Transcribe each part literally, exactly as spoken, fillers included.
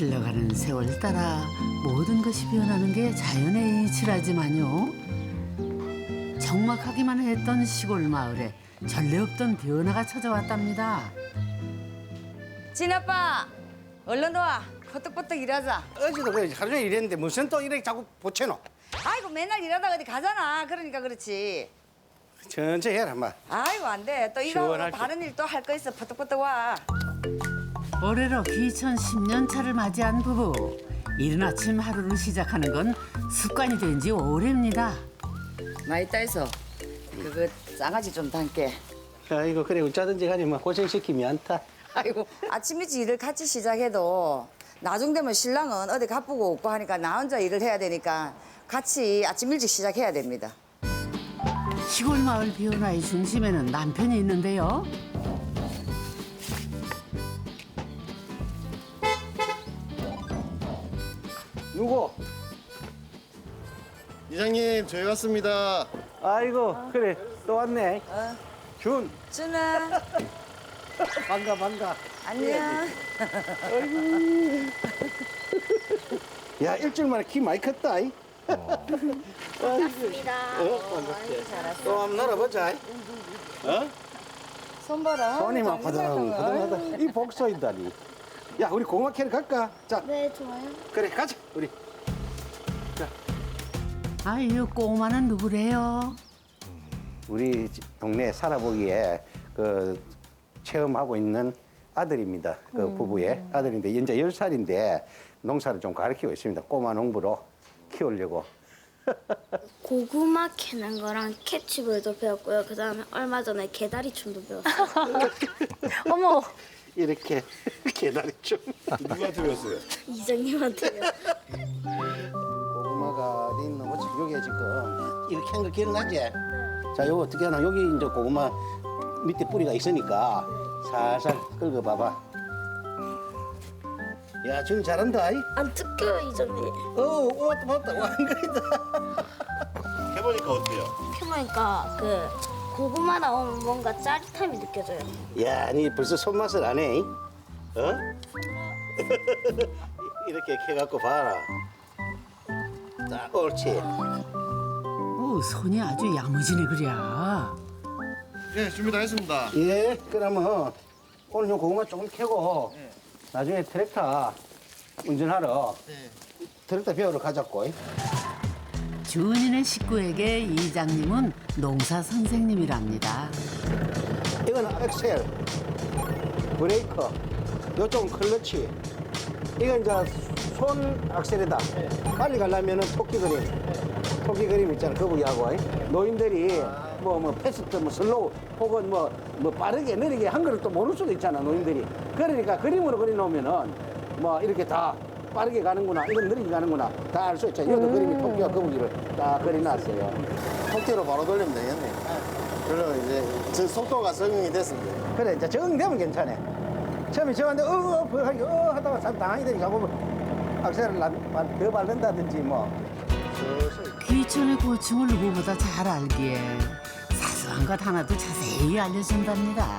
흘러가는 세월 따라 모든 것이 변하는 게 자연의 이치라지만요. 적막하기만 했던 시골 마을에 전례 없던 변화가 찾아왔답니다. 진아빠, 얼른 와. 버떡버떡 일하자. 어제도 그래 하루 종일 일했는데 무슨 또 이렇게 자꾸 보채노? 아이고 맨날 일하다 어디 가잖아. 그러니까 그렇지. 천천히 해라 마. 아이고 안 돼. 또 일하고 시원할 때. 다른 일 또 할 거 있어. 버떡버떡 와. 올해로 이천십 년 차를 맞이한 부부. 이른 아침 하루를 시작하는 건 습관이 된 지 오래입니다. 많이 따해서 그거 장아찌 좀 담게. 아이고 그래 어쩌든지 간에 뭐 고생시키면 안타. 아이고 아침 일찍 일을 같이 시작해도 나중 되면 신랑은 어디 가쁘고 없고 하니까 나 혼자 일을 해야 되니까 같이 아침 일찍 시작해야 됩니다. 시골 마을 변화의 중심에는 남편이 있는데요. 누구? 이장님 저희 왔습니다. 아이고 그래 또 왔네. 어. 준 준아, 반가 반가. 안녕. 야 일주일 만에 키 많이 컸다. 이. 반갑습니다. 어, 반갑게. 또 한번 놀아보자. 어? 손 봐라. 손이 막 바들바들하다. 이 복서이다니. 야 우리 고구마 캐러 갈까? 자 네, 좋아요. 그래 가자 우리. 아유 꼬마는 누구래요? 우리 동네 살아보기에 그 체험하고 있는 아들입니다. 그 부부의 아들인데 이제 열 살인데 농사를 좀 가르치고 있습니다. 꼬마 농부로 키우려고. 고구마 캐는 거랑 캐치볼도 배웠고요. 그 다음에 얼마 전에 개다리 춤도 배웠어요. 어머, 이렇게 계단이 좀. 누구한테 배웠어요? 이장님한테요. 고구마가 어디 있는 거지? 여기 지금 이렇게 한 거 기억나지? 자, 요거 어떻게 하나? 여기 이제 고구마 밑에 뿌리가 있으니까 살살 긁어봐봐. 야, 지금 잘한다. 이? 안 뜯겨요, 이장님. 어, 오, 맞다, 맞다. 완거이다. 해보니까 어때요? 해보니까 그 고구마 나오면 뭔가 짜릿함이 느껴져요. 야, 니 벌써 손맛을 안 해? 이? 어? 이렇게 캐갖고 봐라. 자, 옳지. 오, 손이 아주 야무지네 그랴. 네 준비 다 했습니다. 예, 그러면 오늘 요 고구마 조금 캐고 나중에 트랙터 운전하러 트랙터 배우러 가자고. 주은이네 식구에게 이장님은 농사 선생님이랍니다. 이건 엑셀, 브레이크, 요쪽은 클러치. 이건 이제 손 악셀이다. 빨리 가려면은 토끼 그림, 토끼 그림 있잖아. 거북이하고 노인들이 뭐 뭐 패스트, 뭐 슬로우 혹은 뭐 뭐 빠르게 느리게 한 거를 또 모를 수도 있잖아 노인들이. 그러니까 그림으로 그려놓으면은 뭐 이렇게 다 빠르게 가는구나, 이건 느리게 가는구나 다 알 수 있죠. 이것도 그림이 토끼와 거북이를 다 그려놨어요. 통째로 바로 돌리면 되겠네. 그러면 이제 저 속도가 적응이 됐습니다. 그래 이제 적응되면 괜찮아. 처음에 저한테 어어 어, 어, 하다가 참 당황이 되니까 보면 악셀을 난- 더 밟는다든지 뭐. 귀촌의 고충을 누구보다 잘 알기에 사소한 것 하나도 자세히 알려준답니다.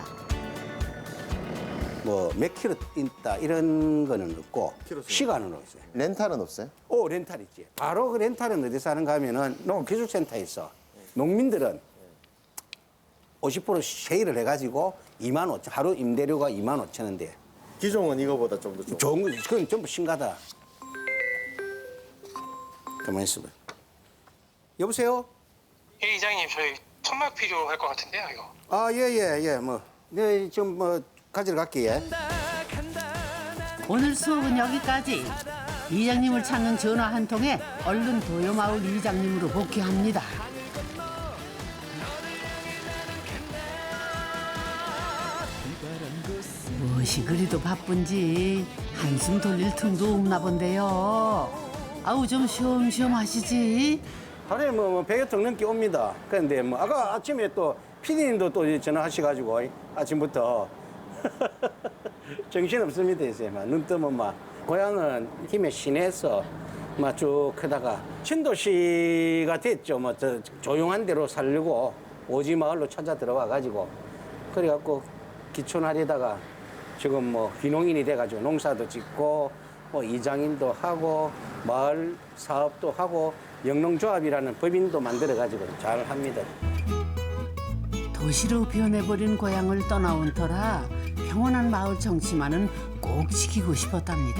뭐 몇 킬로 있다 이런 거는 없고 킬로수. 시간은 없어요. 렌탈은 없어요? 오 렌탈 있지. 바로 그 렌탈은 어디서 하는가 하면은 농기술센터에 있어. 농민들은 오십 퍼센트 세일을 해가지고 이만 오천 하루 임대료가 이만 오천 원대. 기종은 이거보다 좀 더 좀. 좋은 거 그건 전부 신가다. 가만 있어봐. 여보세요? 예, 이장님 저희 천막 필요할 것 같은데요, 이거. 아 예 예 예 뭐 네 좀 뭐 가지러 갈게. 예. 오늘 수업은 여기까지. 이장님을 찾는 전화 한 통에 얼른 도요마을 이장님으로 복귀합니다. 무엇이 그리도 바쁜지 한숨 돌릴 틈도 없나 본데요. 아우 좀 쉬엄쉬엄 하시지. 하루에 뭐, 뭐 백여 통 넘게 옵니다. 그런데 뭐 아까 아침에 또 피디님도 또 전화하셔가지고 아침부터 정신 없습니다 이제 막 눈 뜨면 막 고향은 김해 시내에서 막 쭉 크다가 신도시가 됐죠. 뭐 저 조용한 데로 살려고 오지 마을로 찾아 들어와 가지고 그래갖고 기촌하려다가 지금 뭐 귀농인이 돼가지고 농사도 짓고 뭐 이장님도 하고 마을 사업도 하고 영농조합이라는 법인도 만들어 가지고 잘 합니다. 도시로 변해버린 고향을 떠나온 터라 평온한 마을 정치만은 꼭 지키고 싶었답니다.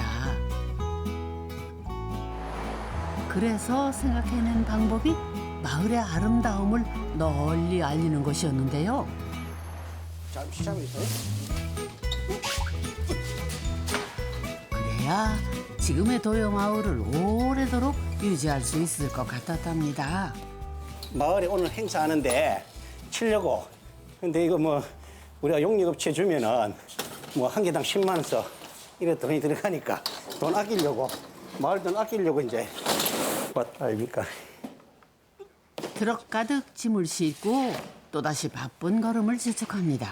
그래서 생각해낸 방법이 마을의 아름다움을 널리 알리는 것이었는데요. 잠시 잠시. 그래야 지금의 도요마을을 오래도록 유지할 수 있을 것 같았답니다. 마을에 오늘 행사하는데 치려고. 근데 이거 뭐 우리가 용역업체 주면은 뭐 한 개당 십만 원 써. 이래 돈이 들어가니까 돈 아끼려고 마을 돈 아끼려고 이제 왔다 아닙니까? 트럭 가득 짐을 싣고 또다시 바쁜 걸음을 재촉합니다.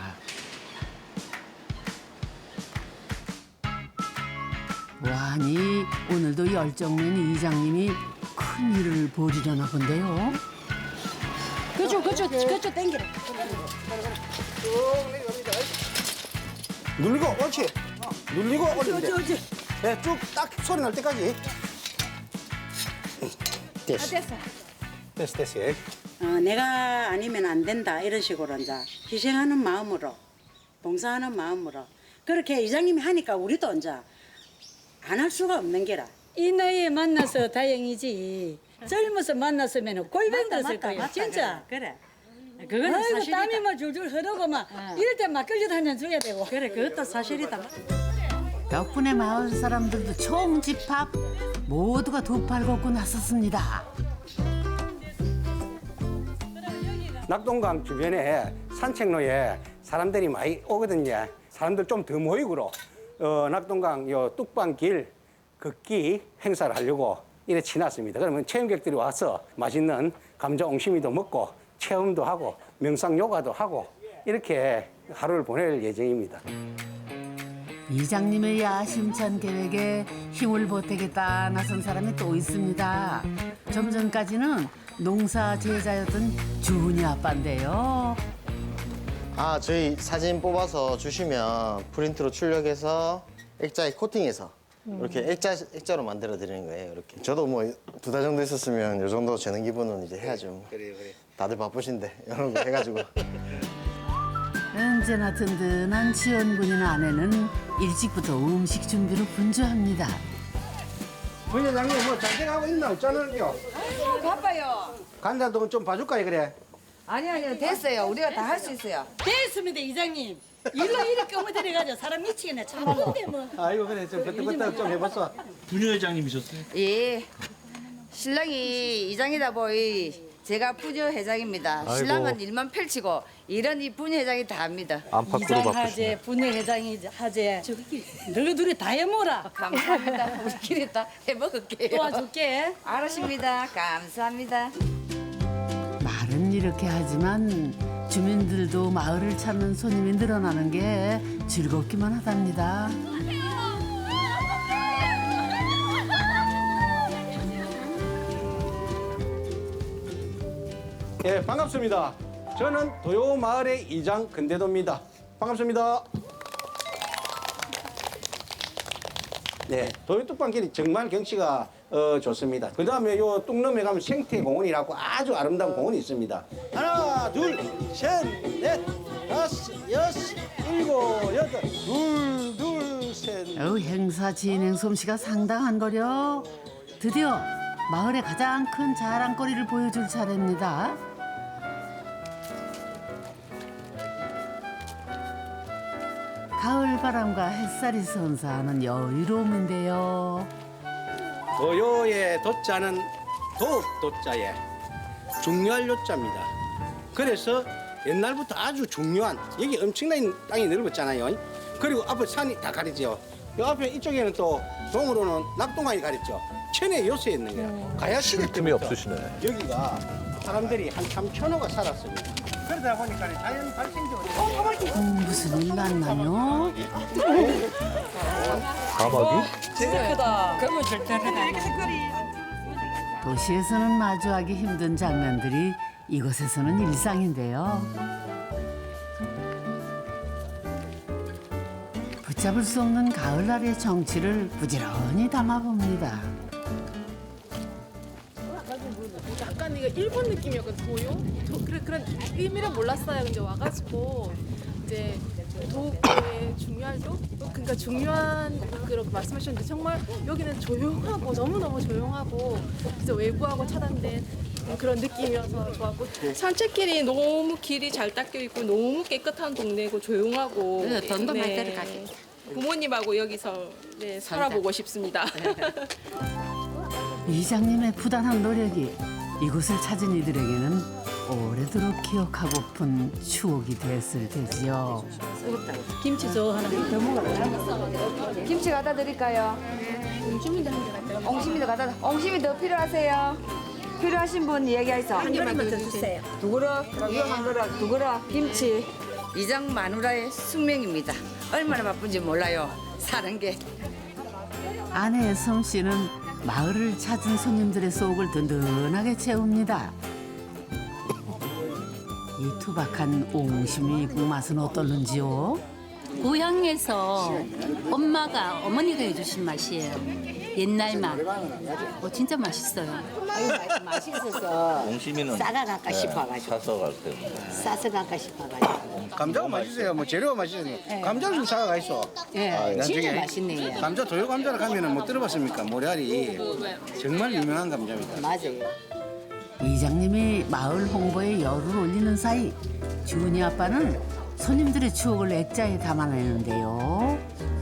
와니 오늘도 열정맨 이장님이 큰 일을 벌이려나 본데요. 그쪽 그쪽 그쪽 당기라. 눌리고 옳지. 눌리고 올리면 돼. 네, 쭉 딱 소리 날 때까지. 됐어. 됐어. 됐어, 됐어. 예. 어, 내가 아니면 안 된다 이런 식으로 이제 희생하는 마음으로 봉사하는 마음으로 그렇게 이장님이 하니까 우리도 이제 안 할 수가 없는 게라. 이 나이에 만나서 다행이지. 젊어서 만났으면 골병 들었을 거예요. 맞다, 진짜. 그래. 그래. 그거는 아이고 사실이다. 땀이 막 줄줄 흐르고 막 이럴 때 막걸리도 한 잔 줘야 되고. 그래, 그것도 사실이다. 덕분에 마을 사람들도 총집합 모두가 두 팔 걷고 나섰습니다. 낙동강 주변에 산책로에 사람들이 많이 오거든요. 사람들 좀 더 모이고로 어, 낙동강 요 뚝방길 걷기 행사를 하려고 이래 지났습니다. 그러면 체험객들이 와서 맛있는 감자 옹심이도 먹고 체험도 하고 명상 요가도 하고 이렇게 하루를 보낼 예정입니다. 이장님의 야심찬 계획에 힘을 보태겠다 나선 사람이 또 있습니다. 좀 전까지는 농사 제자였던 주은이 아빠인데요. 아, 저희 사진 뽑아서 주시면 프린트로 출력해서 액자에 코팅해서 이렇게 액자, 액자로 만들어 드리는 거예요. 이렇게. 저도 뭐 두 달 정도 있었으면 이 정도 재능 기부는 이제 해야죠. 그래, 그래. 다들 바쁘신데 이런 거 해가지고. 언제나 든든한 지원군인 아내는 일찍부터 음식 준비로 분주합니다. 부회장님 뭐 잘돼가고 있나 없잖아요. 아이고 바빠요. 간장도 좀 봐줄까요 그래? 아니 아니요 됐어요. 우리가 다 할 수 있어요. 됐습니다 이장님. 일로 이렇게 어머들여가지고 사람 미치겠네. 참 근데 뭐. 아이고 그래 좀 그때그때 좀 해봤어. 부녀회장님이셨어요? 예. 신랑이 이장이다 보이 제가 부녀 회장입니다. 신랑은 일만 펼치고 일은 이 부녀 회장이 다 합니다. 이장 하재, 분회 회장이 하재. 저기 너희 둘이 다 해먹어라. 감사합니다. 우리끼리 다 해먹을게요. 도와줄게. 알았습니다. 감사합니다. 말은 이렇게 하지만 주민들도 마을을 찾는 손님이 늘어나는 게 즐겁기만 하답니다. 예, 반갑습니다. 저는 도요 마을의 이장 근대도입니다. 반갑습니다. 네, 도요 뚝방길이 정말 경치가 어, 좋습니다. 그 다음에 요 뚝넘에 가면 생태공원이라고 아주 아름다운 공원이 있습니다. 하나, 둘, 셋, 넷, 다섯, 여섯, 일곱, 여덟, 둘, 둘, 셋. 어, 행사 진행 솜씨가 상당한 거려. 드디어 마을의 가장 큰 자랑거리를 보여줄 차례입니다. 가을 바람과 햇살이 선사하는 여유로움인데요. 도요의 도자는 도읍 도자에 중요할 요자입니다. 그래서 옛날부터 아주 중요한 여기 엄청난 땅이 넓었잖아요. 그리고 앞에 산이 다 가리죠. 요 앞에 이쪽에는 또 동으로는 낙동강이 가렸죠. 천의 요새에 있는 거야. 가야 시대 틈이 때부터 없으시네. 여기가 사람들이 한 삼천호가 살았습니다. 그러다 보니까 자연 발생적으로 음, 무슨 일 났나요? 사막이? 도시에서는 마주하기 힘든 장면들이 이곳에서는 일상인데요. 걷잡을 수 없는 가을날의 정취를 부지런히 담아봅니다. 약간 이거 일본 느낌이었거든, 도요? 도, 그런, 그런 의미는 몰랐어요. 근데 와가지고 이제 도의 중요하죠? 그러니까 중요한 그렇게 말씀하셨는데 정말 여기는 조용하고 너무너무 조용하고 진짜 외부하고 차단된 그런 느낌이어서 좋았고 산책길이 너무 길이 잘 닦여 있고 너무 깨끗한 동네고 조용하고 네, 돈도 많이 들어가게. 부모님하고 여기서 네, 살아보고 싶습니다. 이장님의 부단한 노력이 이곳을 찾은 이들에게는 오래도록 기억하고픈 추억이 됐을 테지요. 김치 저 하나 더 먹어라. 김치 갖다 드릴까요? 옹심이도 갖다 드- 옹심이 더 필요하세요? 필요하신 분 얘기하세요. 한 개만 더 주세요. 두 그릇, 이거 한 그릇, 두 그릇, 김치. 이장 마누라의 숙명입니다. 얼마나 바쁜지 몰라요. 사는 게. 아내의 솜씨는 마을을 찾은 손님들의 속을 든든하게 채웁니다. 이 투박한 옹심이 국맛은 어떨는지요? 고향에서 엄마가 어머니가 해주신 맛이에요. 옛날 맛. 어, 진짜 맛있어요. 맛있어서 옹심이는 싸가 갈까 싶어가지고 사서 갈 때. 싸서 갈까 싶어가지고 감자가 맛있어요. 뭐 재료가 맛있어요. 감자를 좀 사가 있어. 예, 진짜 나중에 맛있네요. 감자 도요 감자를 가면은 못 들어봤습니까? 모래알이 정말 유명한 감자입니다. 맞아요. 이장님이 마을 홍보에 열을 올리는 사이 주은이 아빠는 손님들의 추억을 액자에 담아내는데요.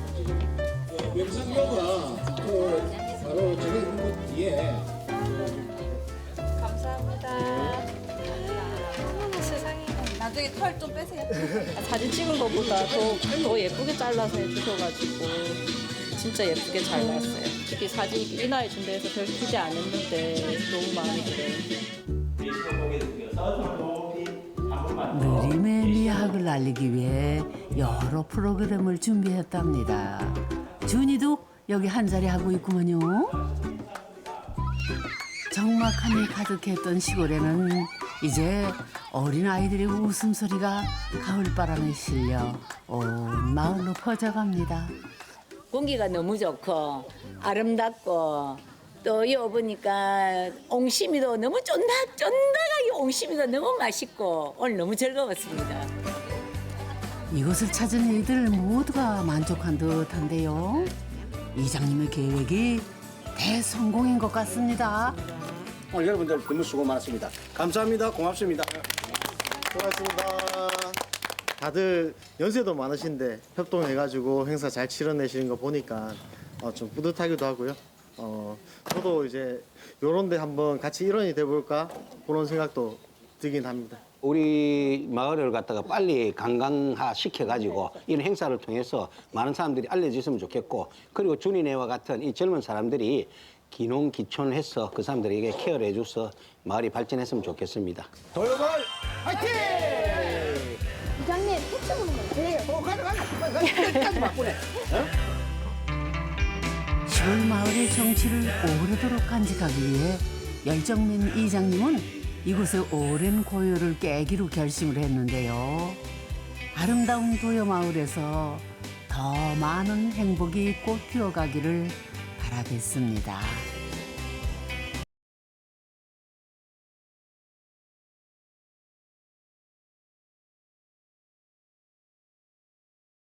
나중에 털 좀 빼세요. 사진 찍은 것보다 더, 더 예쁘게 잘라서 해주셔가지고 진짜 예쁘게 잘 나왔어요. 특히 사진 인화해 준다 해서 별 기대 안 했는데 너무 마음에 들어요. 느림의 미학을 알리기 위해 여러 프로그램을 준비했답니다. 준이도 여기 한 자리 하고 있구먼요. 적막함이 가득했던 시골에는 이제 어린아이들의 웃음소리가 가을바람에 실려 온 마을로 퍼져갑니다. 공기가 너무 좋고 아름답고 또 여기 보니까 옹심이도 너무 쫀득 쫀득하게 옹심이가 너무 맛있고 오늘 너무 즐거웠습니다. 이곳을 찾은 이들 모두가 만족한 듯한데요. 이장님의 계획이 대성공인 것 같습니다. 오늘 여러분들 너무 수고 많았습니다. 감사합니다. 고맙습니다. 수고하셨습니다. 다들 연세도 많으신데 협동해가지고 행사 잘 치러내시는 거 보니까 어, 좀 뿌듯하기도 하고요. 어, 저도 이제 요런 데 한번 같이 일원이 돼볼까 그런 생각도 들긴 합니다. 우리 마을을 갖다가 빨리 관광화 시켜가지고 이런 행사를 통해서 많은 사람들이 알려졌으면 좋겠고, 그리고 준이네와 같은 이 젊은 사람들이 기농기촌을 해서 그 사람들에게 케어를 해줘서 마을이 발전했으면 좋겠습니다. 도요마을 화이팅! 부장님 택시 보는 거 그래, 어, 가자, 가자. 끝까지 바꾸네. 시골 마을의 정취를 오래도록 간직하기 위해 열정민 이장님은 이곳의 오랜 고요를 깨기로 결심을 했는데요. 아름다운 도요마을에서 더 많은 행복이 꽃피어가기를 바라겠습니다.